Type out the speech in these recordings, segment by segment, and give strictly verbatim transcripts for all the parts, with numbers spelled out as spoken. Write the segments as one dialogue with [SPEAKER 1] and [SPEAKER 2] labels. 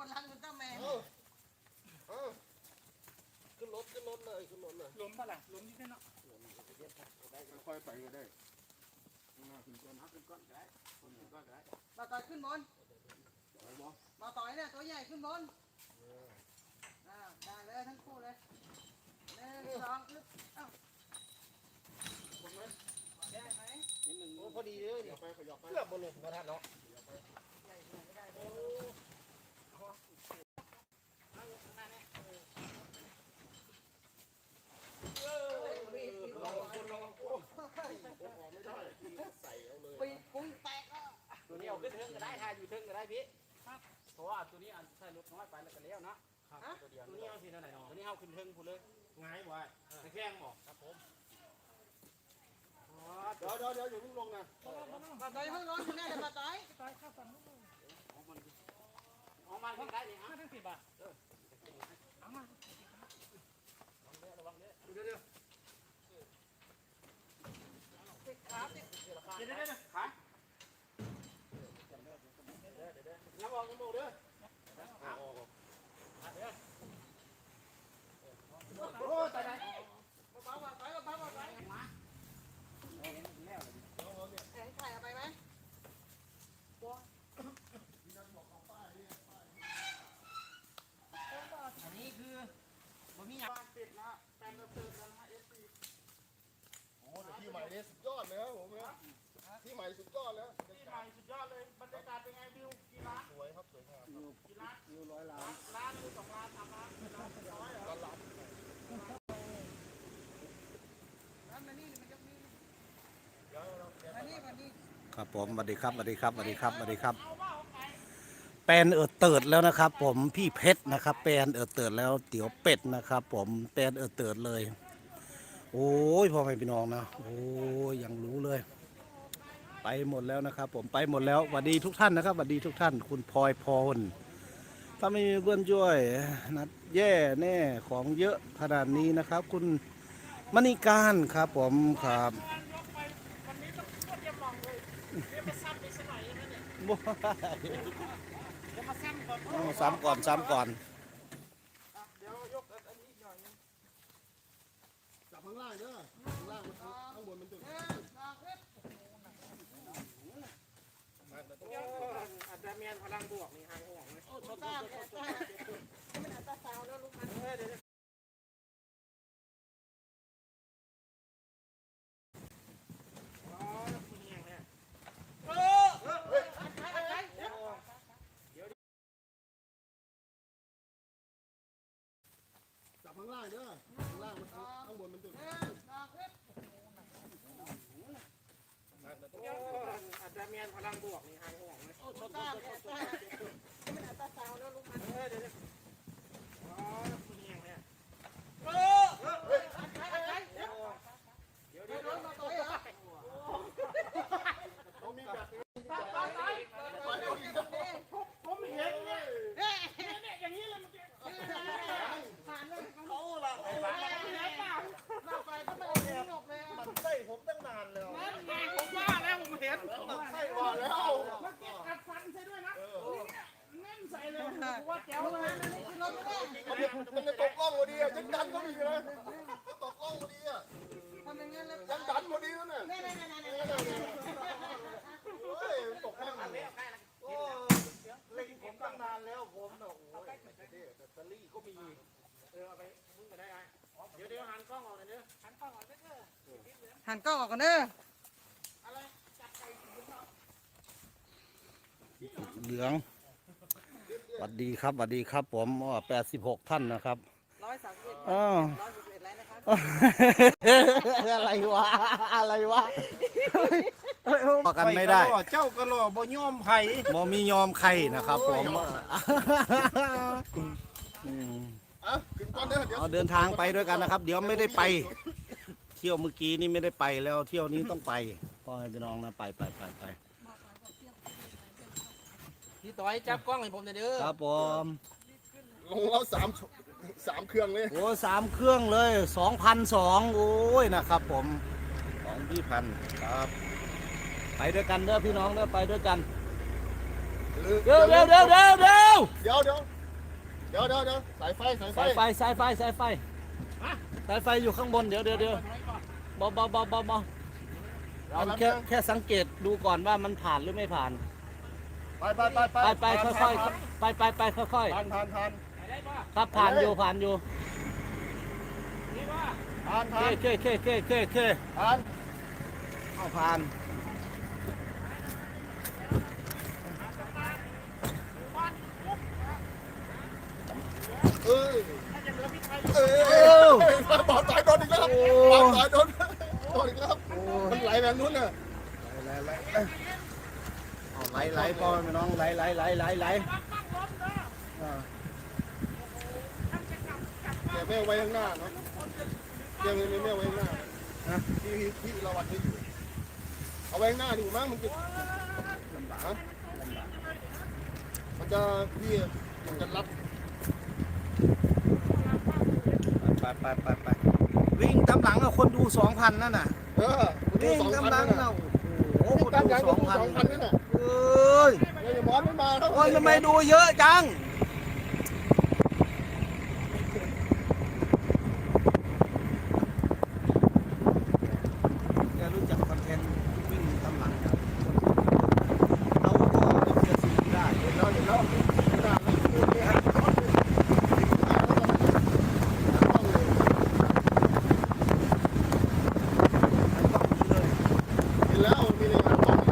[SPEAKER 1] คนรักอุลตร้าแมน
[SPEAKER 2] ขึ้นรถขึ้นรถเลยขึ้นรถเลย
[SPEAKER 3] ล้มปะล่ะล้มที่เนาะ
[SPEAKER 2] ค่อยไปก็ได้ขึ้นก้อนขึ้นก้อนก็ได้ขึ้นก้อนก็ได้
[SPEAKER 1] มาต่อยขึ้นบนมาต่อยเนี่ยตัวใหญ่ขึ้นบนอ่าได้เลยทั้งคู่เลยหนึ่งสองอึ๊บเอ้าได้ไหม
[SPEAKER 2] นิดหนึ่งโอ้พอดีเลยขยับไปขยับไปเกือบบนลงมาทันเนาะ
[SPEAKER 1] ใหญ่ก็ได้เลยปีปุ้งแตกอ่ะ
[SPEAKER 3] ตัวนี้เอาขึ้นเทิงก็ได้ทายอยู่เทิงก็ได้พี่เพราะว่าตัวนี้อันใส่รถน้อยไปแล้วก็เลี้ยวนะตัวเดียวตัวนี้เอาทีนั่นไหนเนาะตัวนี้เอาขึ้นเทิงพูดเลย
[SPEAKER 2] ง่ายว่ะตะแคงบอก
[SPEAKER 3] ครับผม
[SPEAKER 2] เดี๋ยวเดี๋ยวเดี๋ยวอย่าเพิ่งลงนะ
[SPEAKER 1] มาต่อยเพิ่งร้อนคุณแม่จะมาต่อย
[SPEAKER 3] ต่อยข้าวสั่งลูกเอามันเอามันขึ้นได้เลยฮะทั้งสิบบาทเออเอามาระวังเด้อเดี๋ยวเดี๋ยว
[SPEAKER 1] ติดขาติด
[SPEAKER 3] เดี๋ยวเดี๋ยวเดี๋ยวขา
[SPEAKER 2] น้ำออกน้ำออกเด้อโอ้ตายแล้ว
[SPEAKER 1] เบาๆมาต่อยเบาๆมาต่อยมาเห็นไข่เอาไปไหม
[SPEAKER 3] อันนี้คือผมมีอย่างปิดนะแฟนเราเติมกันนะเอฟซี
[SPEAKER 2] โอ้แต่ที่ใหม่เนี่ยสุดยอดเลยครับผมเนี่ยที่ใหม่สุดยอดแล้ว
[SPEAKER 3] ที่ใหม่สุดยอดเลยบรรยากาศเป็นไงวิวกี่ล้าน
[SPEAKER 2] สวยครับสวยงาม
[SPEAKER 3] กี่ล้าน
[SPEAKER 2] วิวร้อยล้าน
[SPEAKER 3] ล้านหรือสองล้านสามล้านล้านร้อยเหรอ
[SPEAKER 2] ล้าน
[SPEAKER 1] ล้านมานี่มันยกนี่
[SPEAKER 2] เดี๋ยวเรา
[SPEAKER 1] มานี่มานี่
[SPEAKER 4] ครับผมสวัสดีครับสวัสดีครับสวัสดีครับสวัสดีครับแปลนเอิดเติดแล้วนะครับผมพี่เพชรนะครับแปลนเอิดเติดแล้วเตี๋ยวเป็ดนะครับผมแปลนเอิดเติดเลยโอ้ยพ่อแม่พี่น้องนะโอ้ยยังรู้เลยไปหมดแล้วนะครับผมไปหมดแล้วสวัสดีทุกท่านนะครับสวัสดีทุกท่านคุณพลอยพรถ้าไม่มีเพื่อนช่วยนัดแย่แน่ของเยอะขนาดนี้นะครับคุณมณีการครับผมครับ
[SPEAKER 3] วันนี้ต้องเตรียมลองเลยเตรียมมาซ้ำอีกสักหน่อยนะเนี่ยเดี๋ยวมาซ้ำก่อน
[SPEAKER 4] ซ้ำก่อนซ้ำก่อน
[SPEAKER 3] เดี๋ยวยกอันนี้หน่อยนึง
[SPEAKER 2] จับข้างล่างเด้อข้างล่างมันข้างบนมันจุด
[SPEAKER 3] อาจจะมีพลังบวกนี่หายห่วงเลย
[SPEAKER 1] โอ้โหตาตามันอัตราสาวแล้วลูกมัน
[SPEAKER 3] เออเดี๋ยว
[SPEAKER 2] จับข้างล่างเด้อข้างล่างมันข้างบนมันจุด
[SPEAKER 3] อาจจะมีพลังบวกนี่หายห่วงเลย
[SPEAKER 1] โอ้โหตาตามันอัตราสาวแล้วลูกมัน
[SPEAKER 3] เออเดี๋ยวอ๋อคุณยังเนี่ย
[SPEAKER 1] เออเดี๋ยวเดี๋ยวเดี๋ยวมาต่อยเหรอ
[SPEAKER 2] ต้องมีแบบนี้
[SPEAKER 3] ผมเห็นเนี่ยเนี่ยอย่างนี้เลยมัน
[SPEAKER 1] ผ่านเลย
[SPEAKER 2] เขาละ
[SPEAKER 3] ไปไปไป
[SPEAKER 1] หน้าไฟก็ไม่ได้หลบเลย
[SPEAKER 2] มันไส้ผมตั้งนานแล้ว
[SPEAKER 3] นั่นไงผมว่าแล้วผมเห็น
[SPEAKER 2] มันไส้ว่าแล้ว
[SPEAKER 3] มาเก็บกัดฟันใช่ด้วยนะแน่นใส่เลยว่าแจ๋วเลย
[SPEAKER 1] รถไม่ได้
[SPEAKER 2] มันจะตกกล้องพอดีอ่ะยังดันก็ดีเลยตกกล้องพอดีอ่ะ
[SPEAKER 1] ทำอย่างนี้เลย
[SPEAKER 2] ยังดันพอดีแล้วเนี่ย
[SPEAKER 1] นี่นี่นี่นี่
[SPEAKER 2] เฮ้ยตกกล้องโอ้เล็งผมตั้งนานแล้วผมเนาะโอ้ยแบตเตอรี่ก็มี
[SPEAKER 3] เออเอาไปมึงก็ได้ไงเดี๋ยวเดี๋ยวหันกล้องออกเลยเด้อหันกล้องออกเด้อ
[SPEAKER 1] หันกล้องออกกันเด้อ
[SPEAKER 3] อะไรจับไก่
[SPEAKER 4] เหลืองสวัสดีครับสวัสดีครับผมอ๋อแปดสิบหกท่านนะครับ
[SPEAKER 1] ร้อยสามสิบ
[SPEAKER 4] อ๋อ
[SPEAKER 1] ร้อยสิบเอ็ดแล้วนะครับ
[SPEAKER 4] อะไรวะอะไรวะพอกันไม่ได้
[SPEAKER 2] เจ้ากระโหลกบ่ยอมไผ่
[SPEAKER 4] บ่มียอมใครนะครับผม
[SPEAKER 2] อ่ะขึ้นก่อนเด้อเดี๋ยว
[SPEAKER 4] เอาเดินทางไปด้วยกันนะครับ เดี๋ยวไม่ได้ไป เที่ยวเมื่อกี้นี่ไม่ได้ไปแล้วเที่ยวนี้ต้องไปพ่อให้พี่น้องนะไปไปไปไป
[SPEAKER 3] พี่ต้อยจับกล้องให้ผมเด้อ
[SPEAKER 4] ครับผม
[SPEAKER 2] ลงแล้วสามสามเครื่องเลย
[SPEAKER 4] โอ้สามเครื่องเลยสองพันสองโอ้ยนะครับผมสองพี่พันครับไปด้วยกันเด้อพี่น้องเด้อไปด้วยกันเดี๋ยวเดี๋ยวเดี๋ยวเดี๋ยวเดี๋ยว
[SPEAKER 2] เดี๋ยวเดี๋ยวเดี๋ยวเดี๋ยวเดี๋ยวสายไฟสายไฟ
[SPEAKER 4] สายไฟสายไฟสายไฟสายไฟอยู่ข้างบนเดี๋ยวเดี๋ยวเดี๋ยวเบาเบาเบาเบาเบาเอาแค่แค่สังเกตดูก่อนว่ามันผ่านหรือไม่ผ่าน
[SPEAKER 2] ไปไปไปไป
[SPEAKER 4] ไปไปค่อยๆไปไปไปค่อย
[SPEAKER 2] ผ่านผ่านผ่าน
[SPEAKER 4] ๆครับผ่านอยู่ผ่านอยู่
[SPEAKER 2] ผ่าน
[SPEAKER 4] เค
[SPEAKER 2] ผ่าน
[SPEAKER 4] เคเคเคเคเค
[SPEAKER 2] ผ่าน
[SPEAKER 4] เอาผ่าน
[SPEAKER 2] เอ้ยเอ้ยบอลสายโดนอีกแล้วบอลสายโดนโดนอีกแล้วมันไหลแบบนู้นน่ะ
[SPEAKER 4] ไหลไหลเอาไหลไหลพ่อแม่น้องไหลไหลไหลไหลไหลอ่า
[SPEAKER 2] แต่ไม่เอาไว้ข้างหน้าเนาะยังไม่ไม่เอาไว้ข้างหน้านะที่ที่เราวัดให้อยู่เอาไว้ข้างหน้าดีกว่ามั้งมันจะลำบากฮะมันจะพี่มันจะรัด
[SPEAKER 4] ไปไปไปไปวิ่งตามหลังอะคนดูสองพันนั่นน่ะ
[SPEAKER 2] เออ
[SPEAKER 4] วิ่ง
[SPEAKER 2] สอง
[SPEAKER 4] ตาม
[SPEAKER 2] พัน
[SPEAKER 4] หลัง
[SPEAKER 2] น่ะ
[SPEAKER 4] น่ะโอ้โห
[SPEAKER 2] นี่
[SPEAKER 4] คน
[SPEAKER 2] การ
[SPEAKER 4] ดู
[SPEAKER 2] ยาง
[SPEAKER 4] ส
[SPEAKER 2] ก็
[SPEAKER 4] อง
[SPEAKER 2] ดู
[SPEAKER 4] พัน
[SPEAKER 2] สองพันนี่น่ะ
[SPEAKER 4] เอ้ย
[SPEAKER 2] เดี๋ยวอย่ามอนไม่มาแล้ว
[SPEAKER 4] โอ้ยทำไมดูเยอะจังแกรู้จักคอนเทนต์วิ่งตามหลังครับเอาก็จะสีได้
[SPEAKER 2] เห็นแล้วเห็นแล้วเห็นแล้วเห็นแล้วมีในงานของ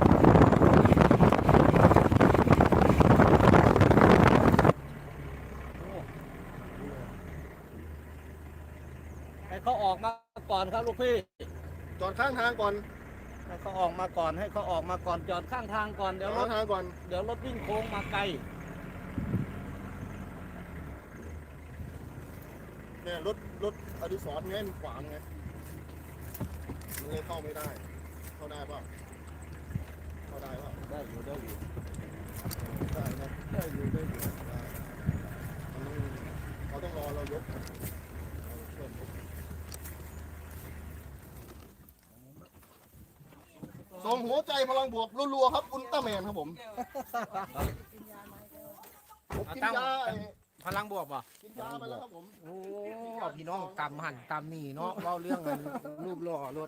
[SPEAKER 4] ให้เขาออกมาก่อนครับลูกพี่
[SPEAKER 2] จอดข้างทางก่อน
[SPEAKER 4] ให้เขาออกมาก่อนให้เขาออกมาก่อนจอดข้างทางก่อนเดี๋ยวร
[SPEAKER 2] ข้า
[SPEAKER 4] ถ
[SPEAKER 2] งทางก่อน
[SPEAKER 4] เดี๋ยวรถวิ่งโค้งมาไกล
[SPEAKER 2] เนี่ยรถรถอดิศรไงมันขวางไงมันเลยเข้าไม่ได้ เข้าได้ป่ะเข้าได้ป่ะ
[SPEAKER 4] ได้อยู่ได้อยู่
[SPEAKER 2] ได้นะได้อยู่ได้อยู่ได้มันต้องเขาต้องรอเรายกเราช่วยยกส่งหัวใจพลังบวกรัวๆครับอุลตร้าแมนครับผมผมกินยาไอ้
[SPEAKER 3] พลังบวกป่ะ
[SPEAKER 2] กินยาไปแล้วครับผม
[SPEAKER 3] โอ้พี่น้องตำหันตำนี่เนาะเล่าเรื่องกันรูปหล่อรถ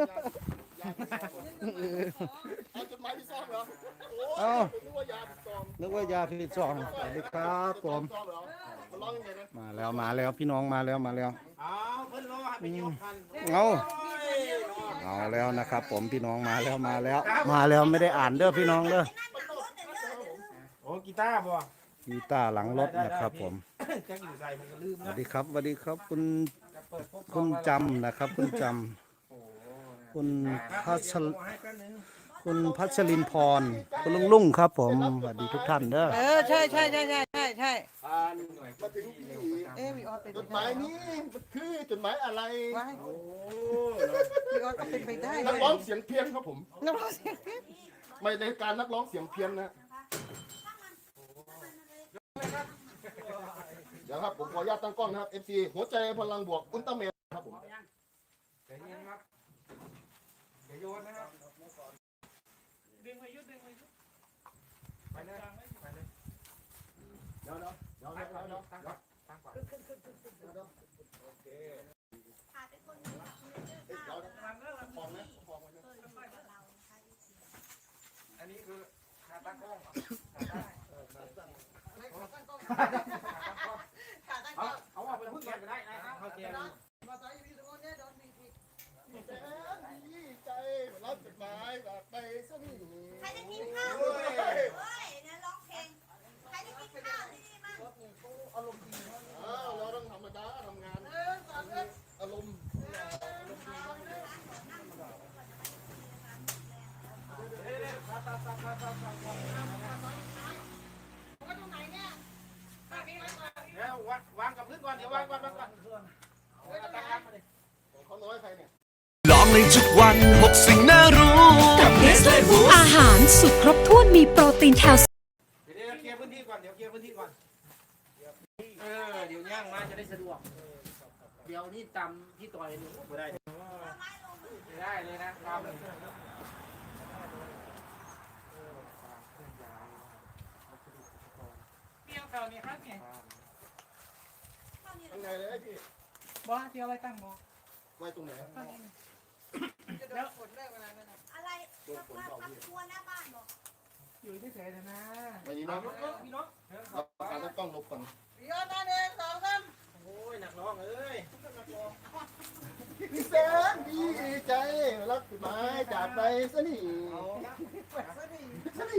[SPEAKER 2] เอาจดหมายที่ซ่อมเหรอ
[SPEAKER 4] เอ้า
[SPEAKER 2] โอ้ยนึกว่ายาที่ซ่อม
[SPEAKER 4] นึกว่ายาพิษซองสวัสดีครับผม
[SPEAKER 2] ซ่อมเหรอมันร้องยังไงนะ
[SPEAKER 4] มาแล้วมาแล้วพี่น้องมาแล้วมาแล้ว
[SPEAKER 3] อ้าวเพิ่นรอให้ไปยกคัน
[SPEAKER 4] เอาเอาแล้วนะครับ ผมพี่น้องมาแล้วมาแล้ว มาแล้วไม่ได้อ่านเด้อพี่น้องเด้อ
[SPEAKER 3] โอ้กีตาร์บ่
[SPEAKER 4] กีตาร์หลังรถนะครับ ผม
[SPEAKER 3] แจ็คอยู่ใส่มันก็ลืม
[SPEAKER 4] ส
[SPEAKER 3] นะ
[SPEAKER 4] วัสดีครับสวัสดีครับคุณ
[SPEAKER 3] จะเปิดพบ
[SPEAKER 4] คุณจำนะครับ คุณจำคุณพัชรคุณพัชรินพรคุณลุงลุงครับ ผมสวัสดีทุกท่านเด้อ
[SPEAKER 1] เออใช่ใช่ใช่ใช่ใช่ใช่
[SPEAKER 2] มาถึงที่
[SPEAKER 1] เอ๊ะพี่ออสเป็น
[SPEAKER 2] จดหมายนี้มันคือจดหมายอะไร
[SPEAKER 1] ไว้พี่ออสก็เป็นไปได้
[SPEAKER 2] นักร้องเสียงเพี้ยนครับผม
[SPEAKER 1] นักร้องเสียง
[SPEAKER 2] ไม่ในการนักร้องเสียงเพี้ยนนะเดี๋ยวครับผมขออนุญาตตั้งกล้องนะครับ เอฟ ซี หัวใจพลังบวกอุลตร้าแมนครับผม
[SPEAKER 3] เดี๋ยวเย็นครับเดี๋ยวโยนนะครับดึงไปยุดดึงไปยุดไปเลยไปเลย
[SPEAKER 2] เดี๋ยวเดี๋ยวเดี๋ยวเดี๋ยวเดี๋ยว
[SPEAKER 3] ตั้งก่อนตั้งก่อน
[SPEAKER 2] โอเคเดี๋ยวของนะของนะ
[SPEAKER 3] อันนี้คือขาตั้งกล้อง เอาเอาออกไปพึ่งแกก็ได้นะเขาเจียม
[SPEAKER 1] มาต่อยพี่ตรงนี้โดนมีผิด
[SPEAKER 2] ดีใจดีใจรับจดหมายจากไปซะนี่
[SPEAKER 5] ใครจะกินข้าวด้วยเฮ้ยเนี่ยร้องเพลง ใครจะกินข้าวที่นี่มั่ง
[SPEAKER 2] อ้าวเราต้องธรรมดาทำงานอารมณ์
[SPEAKER 3] เดี๋ยววางวางกับพื้นก่อนเดี๋ยววางวางวางก่อนตั้งรับมาดิ
[SPEAKER 2] เขาน้อยใครเนี่ย
[SPEAKER 6] ลองในทุกวันหกสิ่งน่ารู้กับเนสเล่บูส
[SPEAKER 7] อาหารสุดครบถ้วนมีโปรตีนแคลเซียม
[SPEAKER 3] เดี๋ยวเคลียร์พื้นที่ก่อนเดี๋ยวเคลียร์พื้นที่ก่อนเออเดี๋ยวย่างมาจะได้สะดวกเดี๋ยวนี่ตำที่ต่อยนี่ไม่ได้ไม่ได้เลยนะตำกี่ยวเขานี่ครับเนี่ย
[SPEAKER 5] ข้าวนี่
[SPEAKER 2] ข้างในเลยไอ้พี่
[SPEAKER 3] บอสเกี่ยวไว้ตั้งบอส
[SPEAKER 2] ไว้ตรงไหน
[SPEAKER 1] จะโดนฝนเลิกเวลานั้นน่ะ
[SPEAKER 5] อะไรทำงานทำครัวหน้าบ้านบอก
[SPEAKER 3] อยู่เฉยๆนะ
[SPEAKER 2] ไว้นี่เนาะ
[SPEAKER 3] พี่น้อง
[SPEAKER 2] เราการต้องกล้องลบก่อน
[SPEAKER 1] พี่ยอดมาหนึ่งสองสาม
[SPEAKER 3] โอ้ยหนักน้องเอ้ย
[SPEAKER 2] พี่แสนดีใจรักไม้จากไปซะนี่
[SPEAKER 1] ไปซะดี
[SPEAKER 2] ซะนี่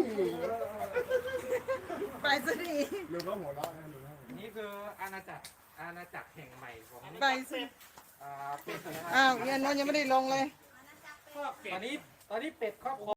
[SPEAKER 1] ไปซะดี
[SPEAKER 2] ลืมแล้วหัวเราะนะลืมแล้ว
[SPEAKER 3] นี่คืออาณาจักรอาณาจักรแห่งใหม่ของ
[SPEAKER 1] ไปซะ
[SPEAKER 3] อ่าเป็ด
[SPEAKER 1] อ้าวเงินนนยังไม่ได้ลงเลย
[SPEAKER 5] อันนั้นจะเป็น
[SPEAKER 3] ตอนนี้ตอนนี้เป็ดครอบครัว